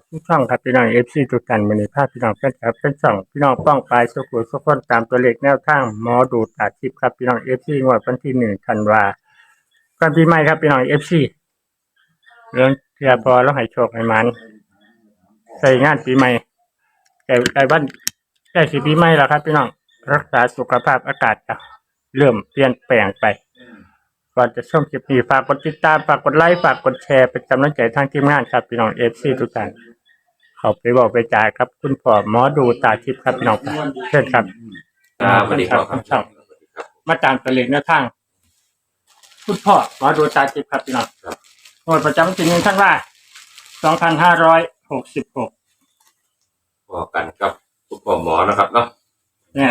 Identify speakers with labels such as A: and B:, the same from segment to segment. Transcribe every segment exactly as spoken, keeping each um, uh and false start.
A: ทุกช่องครับพี่น้องเอฟซีทุกท่านวันนี้ภาพพี่น้องแฟนคลับเป็นช่องพี่น้องป้องปลายสุขุสุขคนตามตัวเลขแนวทางหมอดูตาทิพย์ครับพี่น้องเอฟซีงวดวันที่หนึ่งธันวาก่อนปีใหม่ครับพี่น้องเอฟซีเรื่องเทียพอแล้วให้โชคให้มันใส่งานปีใหม่ใกล้ใกล้วันใกล้สิปีใหม่แล้วครับพี่น้องรักษาสุขภาพอากาศจะเริ่มเปลี่ยนแปลงไปก่อนจะชมคลิปนี้ฝากกดติดตามฝากกดไลค์ฝากกดแชร์เป็นกำลังใจทางทีมงานครับพี่น้องเอฟซีทุกท่านเขาไปบอกไปจ่ายครับคุณพ่อหมอดูตาทิพย์ครับพี่น้องเชิญครับ
B: ครับสวัสดีครับครับ
A: ช่องมาตามตัวเลขแนวทางคุณพ่อหมอดูตาทิพย์ครับพี่น้องงวดประจำวันที่หนึ่งธันวาสองพันห้าร้อยหกสิบหก
B: พอกันครับคุณพ่อหมอนะครับเนาะ
A: เนี่ย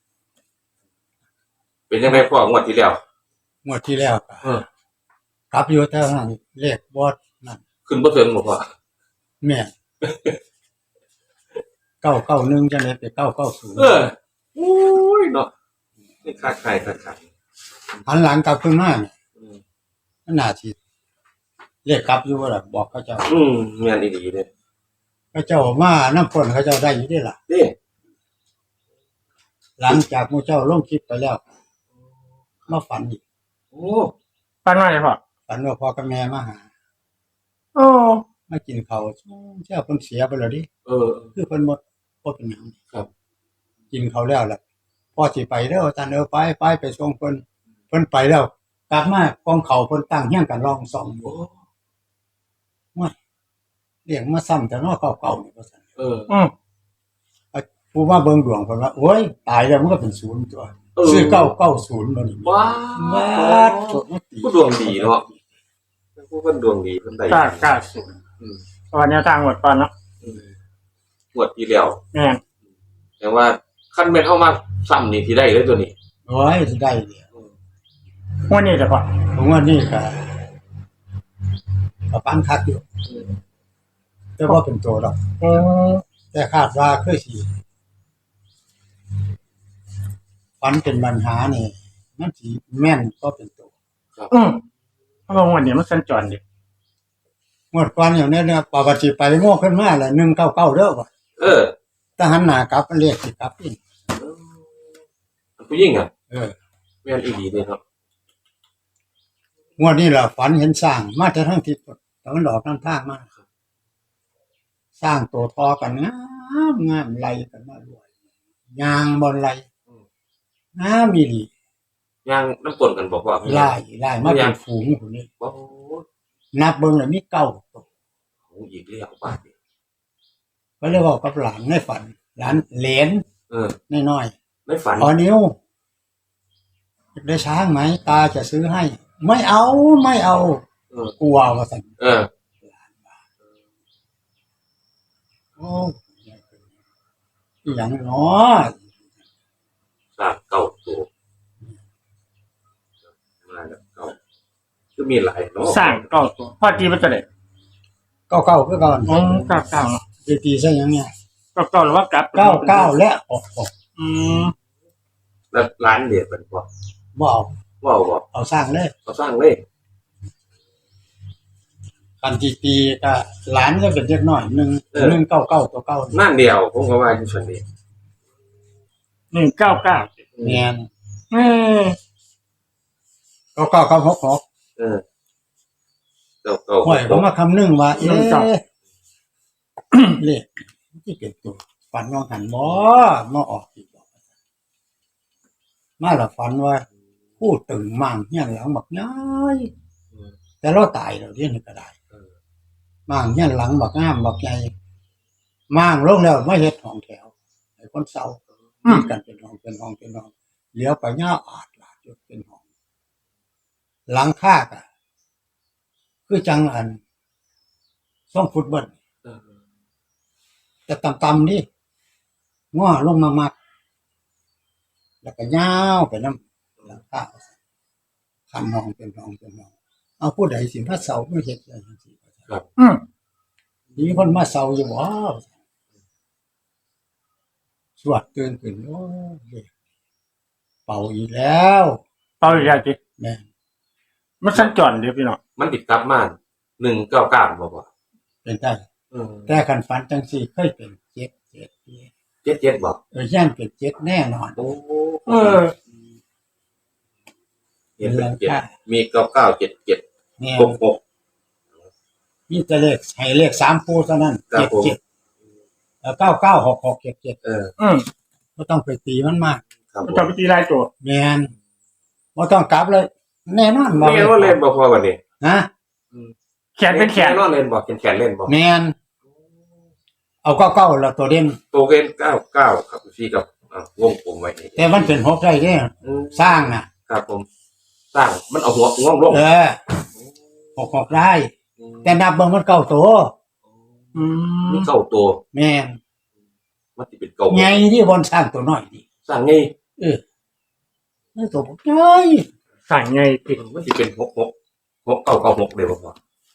B: เป็นยังไงพ่องวดที่แล้ว
C: งวดที่แล้วก็
B: เออ
C: ครับอยู่แต่นั้นเลขบอดนั่น
B: ขึ้นบ่ถึงบ่พ่อ
C: แม่เก้าเก้าหนึ่งจะเลยไปเก้าเก้าศูนย์
B: เออโอ้ยเนาะนี่คาดใครคาดใคร
C: หันหลังกลับขึ้นมาเนี่ย
B: อืม
C: มันน่าสิเลขกลับอยู่ว่าล่ะบอกเขาเจ้า
B: อืมแม่นดีๆเด้
C: เขาเจ้ามาน้ำฝนเขาเจ้าได้อยู่เด้ล่ะ
B: เด้
C: หลังจากหมู่เจ้าลงคลิปไปแล้วมาฝันอีก
B: โอ้
A: ปันว่าไงพ่อ
C: ฝันว่าพ่อกับแม่มาหา
A: โอ้
C: มากินข้าวเจ้าเพิ่นเสียไปแล้วดิ
B: เออ
C: คือเพิ่นบ่บ่เป็นหยัง
B: ครับ
C: กินข้าวแล้วล่ะพ่อสิไปเด้ออาจารย์เออไปไปไปส่งเพิ่นเพิ่นไปแล้วกลับมากองเขาเพิ่นตั้งเฮียงกันรองสองอยู่ว่าเรียกมาซ้ำแต่เนาะเก่าๆนี่ว่าซั่น
B: เออ
A: อืม
C: ผู้ว่าเบิ่งดวงเพิ่นว่าโอ้ยตายแล้วมันก็เป็นศูนย์ตัวซื้อเก้าเก้าศูนย์บ่นี่
B: ว้า
C: ว้าตัวมันตี
B: ผู้ดวงดีเนาะผู้เพิ่นดวงดีเพิ่นได้
A: กล้ากล้าสุด
B: อืม
A: ตอนแนวทางหมดก่อนเนาะ
B: อืมงวดที่แล้ว
A: แม่น
B: แต่ว่าคันแม่นเอามาซ้ำนี่สิได้เลยตัวนี้
C: โอ้ยสิได้เนี่ย
A: งวดนี้จะพ่อ
C: ผมว่านี่ก็ก็ปานคักอยู่แต่ว่าเป็นตัวดอก
A: อืม
C: แต่คาดว่าคือสิฝันเป็นปัญหานี่มันสิแม่นก็เป็นตัว
A: อืมเพราะว่างวดนี้มันสัญจรดิ
C: งวดก่อนอย่างนี้เนี่ยปกติไปโง่ขึ้นมาแล้วหนึ่งเก้าเก้าเด้อบ่
B: เออ
C: ถ้าหันหน้ากลับมันเรียกสิกลับอีก
B: ผู้หญิงอ่ะ
C: เออ
B: แม่นอีหลีเด้ครับ
C: งวดนี้ล่ะฝันเห็นสร้างมาแต่ทั้งทิศตะวันออกน้ำทางมาสร้างตัวทอกันงามงามไหลกันมารวยยางบ่ไหลงามอีหลี
B: ย่างน้ำกลนกันบอกว่า
C: ไล่ไล่มาเป็นฝูงพุ่นนี่
B: โอ้
C: นับเบิ่งแล้วมีเก้าตัว
B: โหอีกแล้วบาดนี้
C: ก็เลยเว้ากับหลานในฝันหลานเหลน
B: เออ
C: น้อย
B: ๆไม่ฝัน
C: ขอนิ้วได้ช้างไหมตาจะซื้อให้ไม่เอาไม่เอา
B: เออก
C: ลัวว่าซั่น
B: เออ
C: โอ้อีหยังเนาะ
B: สามเก้าตัวมาแล้วเก้าคือมีหลายเนาะ
A: สร้างเก้าตัวพ่อตีมันจะได้
C: เก้าเก้าคือก่อน
A: อืมเก้าเก้าเนาะ
C: สิตีซะหยังเนี่ย
A: เก้าเก้าหรือว่ากลับ
C: เก้าเก้าและออก
A: อืม
B: แล้วร้านเด็ดเป็นบ่
C: บ่เอา
B: บ่เอาบ่
C: เอาสร้างเลย
B: เอาสร้างเลย
C: คันสิตีก็หลานก็เป็นเด็กน้อยหนึ่ง หนึ่งเก้าเก้าตัวเก้า
B: นั่นเดียวผมก็ว่าอยู่ซั่นนี่
A: หนึ่งเก้าเก้า
C: แม่น
A: เออ
C: เก้าเก้าเก้าหกหก
B: เออเก้าเก้า
C: ห้อยก็มาคำนึงว่าเอ๊ะเลขที่เก็บตัวฝันว่าหันบ่มาออกอีกบ่มาละฝันว่าผู้ตึงมั่งเฮียนหลังบักย้ายแต่เราตายแล้วเดี๋ยวนี้ก็ได้มั่งเฮียนหลังบักงามบักใหญ่มั่งลงแล้วมาเฮ็ดห้องแถวให้คนเฒ่ามีกันเป็นห้องเป็นห้องเป็นห้องเลี้ยวไปย่าอาดลาดจนเป็นห้องหลังคาก็คือจังอันช่องฟุตบอลแต่ต่ำๆนี่ง้อลงมามักแล้วก็ยาวไปน้ำหลังคาคันห้องเป็นห้องเป็นห้องเอาผู้ใดสิมาเซาไม่เฮ็ดจังซี่
B: ครับ
A: อืม
C: มีคนมาเซาอยู่บ่สวดตื่นขึ้นโอ้ยเป่าอีกแล้ว
A: เป่าอีกแล้วติ
C: แม่น
A: มันสัญจรเด้อพี่น้อง
B: มันติดกลับมาหนึ่งเก้าเก้าบ่บ่
C: เป็นได้
B: เอเออ
C: แต่คันฝันจังสี่เคยเป็นเจ็ดเจ็ด
B: เจ็ดเจ็ดบอก
C: เออย่านเป็นเจ็ดแน่นอน
B: โอ้
A: เออ
B: เห็นเป็นเจ็ดมีเก้าเก้าเจ็ดเจ็ด
C: เนี่ย
B: หกหก
C: นี่จะเลขให้เลขสามคู่เท่านั้น
B: ครั
C: เจ็
B: บ
C: ด
B: ผม
C: เจ็ดแล้วเก้าเก้าหกหกเจ็ดเจ็ด
B: เออ
A: อืม
C: ไม่ต้องไปตีมันมาก
B: ครับผม
A: จะไปตีลายตัว
C: แมนไม่ต้องกลับเลย แน่นอน
B: ไม่งั้นว่าเล่นบ่พอวันนี้
C: นะ
A: แขนเป็นแขน
B: แน่นอนเล่นบ่เป็นแขนเล่นบ่
C: แมนเอาเก้าเก้าแล้วตัวเด่น
B: โตเกินเก้าเก้าครับพี่กับอ่าวงกลมไว้นี่
C: แต่มันเป็นหกได้เนี่ย
B: อืม
C: สร้างน่ะ
B: ครับผมสร้างมันเอาหัวงอกลง
C: เออหกหกได้ แต่นับเบิ่งมันเก้าตัว
A: อืม
B: มีเก้าตัว
C: แมน
B: มันสิเป็นเก้า
C: ไงที่บนสร้างตัวน้อยดิ
B: สร้างไง
C: เออนี่ตัวผมน้อย
A: สั่งไงติด
B: มันสิเป็นหกหกหกเก้าเก้าหกเลยบ่พอ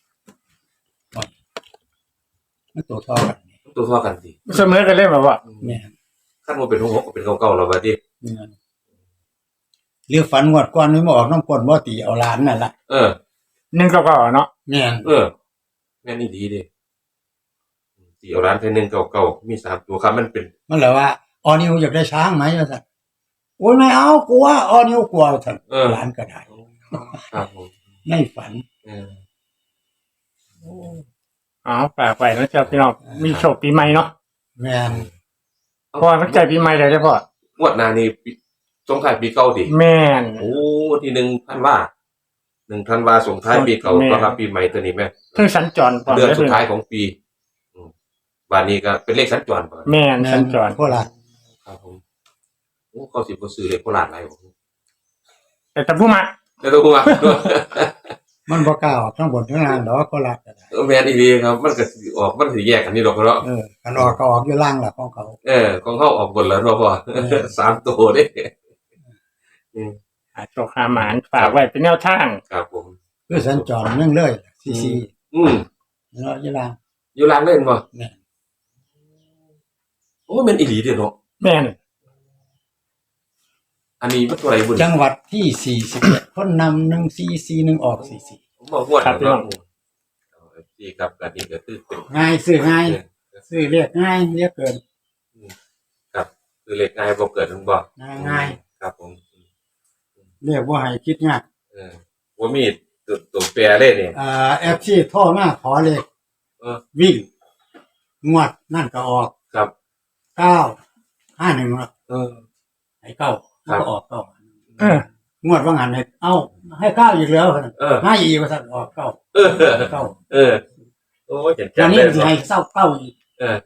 C: มันตัวทอกันนี่
B: ตัวเท่ากันสิ
A: เสมอกันเล่นแบบว่า
C: แมน
B: ขั้นว่าเป็นหกหกก็เป็นเก้าเก้าแล้วบัดนี้
C: แม่นเรียกฝันงวดก่อนนี่มาออกน้ำกลนบ่ตีเอาหลานนั่นล่ะ
B: เออ
A: หนึ่งก็ก็เนาะ
C: แม่น
B: เออแม่นนี่ดีเดิสี่เอาร้านเทนหนึ่งเก่าเก่ามีสามตัวครับมันเป็น
C: มันเลยว่าออนิวอยากได้ช้างไหมว่าซั่นโอ้ยไม่เอากลัวออนิวกลัวซั่นหลานก็ได้
B: ครับผม
C: ในฝัน
B: เออ
A: อ๋อฝากไปนะเจ้าพี่น้องมีโชคปีใหม่เนาะ
C: แม่น
A: เพราะว่ามันใจปีใหม่เลยได้พ่อง
B: วดหน้านี่ปีสงท้ายปีเก่าดิ
A: แม่น
B: โอ้ที่หนึ่งพันว่าหนึ่งพันว่าส่งท้ายปีเก่า
A: แม่
B: ต้อนรับปีใหม่ตัวนี้แม่
A: เพิ่งสัญจรก่อน
B: เดือนสุด
A: ได้
B: ท้ายของปีอืมบานนี้ก็เป็นเลขสัญจรก่อน
A: แม่น
C: แม่
A: สั
C: น
A: ญจร
C: พวกล่ะ
B: ครับผมโอ้เขาสิบ่ซื้อเลขโคราชอะไรผม
A: แต่แต่ผู้มา
B: แล้วตัวว่า
C: มันบ่กล้าออกทั้งบนทั้งล่างดอกก็ล่ะก็ได้
B: เออแม่นอีดีครับ มันก็สิออกมันสิแยกกันนี่ดอกเนาะ
C: เออคันออกก็ออกอยู่ล่างล่ะของเขา
B: เออของเฮาออกบนแล้วเนาะพ่อ
C: เออ
B: สามตัวเด้อืม
A: หาโชคหาหมานฝากไว้เป็นแนวทาง
B: ครับผม
C: คือสัญจรเนื่องเลยซีซี
B: อืม
C: เนาะอยู่ล่าง
B: อยู่ร้านเล่นบ่
C: แม่น
B: โอ้แม่นอีหลีเด้อเนาะ
A: แม่น
B: อันนี้มันตัวอะไรบุญ
C: จังหวัดที่สี่สิบเอ็ดคนนำหนึ่งสี่สี่หนึ่งออกสี่สี่
B: ผมบอกงวดแล้วเนาะเอาที่ครับกันนี้ก็คือเป็น
C: ง่ายซื้อง่ายซื้อเรียกง่ายเรียกเกิน
B: ครับคือเลขง่ายบ่เกิดถึงบ่
C: ง่ายง่าย
B: ครับผม
C: เรียกว่าให้คิดง่าย
B: เออว่ามีตัวตัวแปรเลยนี่
C: อ่าแอปที่โทรมาขอเลข
B: เออ
C: วิ่ง งวดนั่นก็ออก
B: ครับ
C: เก้าห้าหนึ่ง
B: เออ
C: ให้เก้า
B: ครับ
C: ก็ออกเก้า
A: เออง
C: วดว่างานให้เอ้าให้เก้าอีกแล้ว
B: เออ
C: ให้อีกว่าสั่นออกเก้า
B: เออ
C: เก้า
B: เออโอ้ยเจ็บ
C: ตอน
B: ๆ
C: นี้
B: เลย
C: จะให้เศร้าเก้าอีก
B: เออ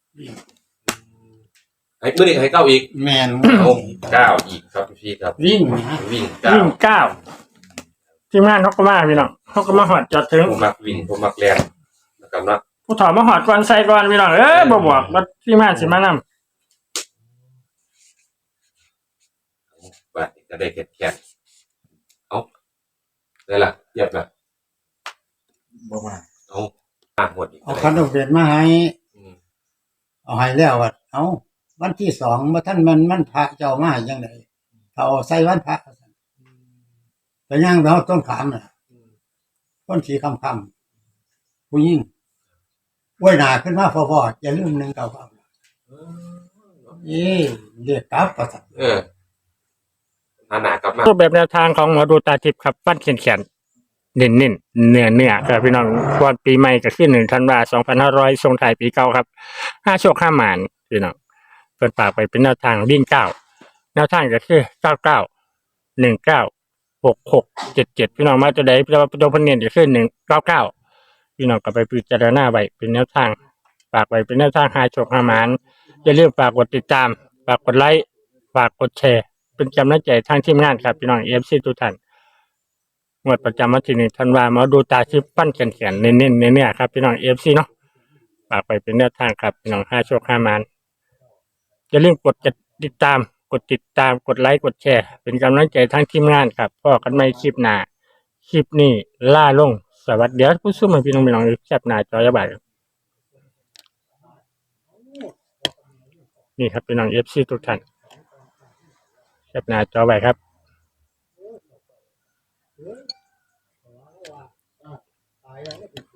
B: ให้มื้อนี้ให้เก้าอีก
C: แมน
B: เอาเก้าอีกครับพี่ครับ
C: วิ่งนะ
B: วิ่งเก้า
A: วิ่งเก้าทีมงานเขาก็มาพี่น้องเขาก็มาหอดจอดถึง
B: ผมมักวิ่งผมมักแรงนะครับเนาะ
A: ผู้ถอดมาหอดก่อนใส่ก่อนพี่น้องเอ้ยบ่บอกว่าทีมงานสิมานำ
B: บาดนี้ก็ได้แค่แค่เอาได้ละเทียบละ
C: บอกว่า
B: เอาอ่างหมดอีก
C: เอาคันดอกเบ็ดมาให้
B: อืม
C: เอาให้แล้วว่าเอาวันที่สองมาท่านมันมันพระเจ้ามาให้ยังไงถ้าเอาใส่วันพระแต่ย่างเราต้นขามน่ะต้นสีคำคำผู้ยิ่งไว้หนาขึ้นมาพอๆอย่าลืมหนึ่งเก่าครับเอ๊ะเรียกกลับประสัน
B: เออหาหนากลับมา
A: รูปแบบแนวทางของหมอดูตาทิพย์ครับฟันเขียนเขียนเน้นเน้นเนื้อเนื้อครับพี่น้องก่อนปีใหม่ก็คือหนึ่งธันวาสองพันห้าร้อยทรงไทายปีเก่าครับห้าโชคห้าหมานพี่น้องเปิดปากไปเป็นแนวทางวิ่งเก้าแนวทางก็คือเก้าเก้าหนึ่งเก้าหกหกเจ็ดเจ็ดพี่น้องมาตัวใดพี่น้องตัวพันเนียนก็คือหนึ่งเก้าเก้าพี่น้องก็ไปพิจารณาไว้เป็นแนวทางฝากไว้เป็นแนวทางห้าโชคห้าหมานอย่าลืมฝากกดติดตามฝากกดไลค์ฝากกดแชร์ เป็นกำลังใจทางทีมงานครับพี่น้องเอฟซีทุกท่านงวดประจำวันที่หนึ่งธันวาคมมาดูตาชิปปั้นเขียนเขียนเน้นเน้นเน้นเนี่ยครับพี่น้องเอฟซีเนาะฝากไปเป็นแนวทางครับพี่น้องห้าโชคห้ามานอย่าลืมกดติดตามกดติดตามกดไลค์กดแชร์เป็นกำลังใจทางทีมงานครับพอกันไม่คลิปหน้าคลิปนี้ล่าลงสวัสดีเดี๋ยวผู้สู้มาพี่น้องพี่น้องแคปหน้าจอยบ่ายนี่ครับพี่น้องเอฟซีทุกท่านแคปหน้าจอไว้ครับ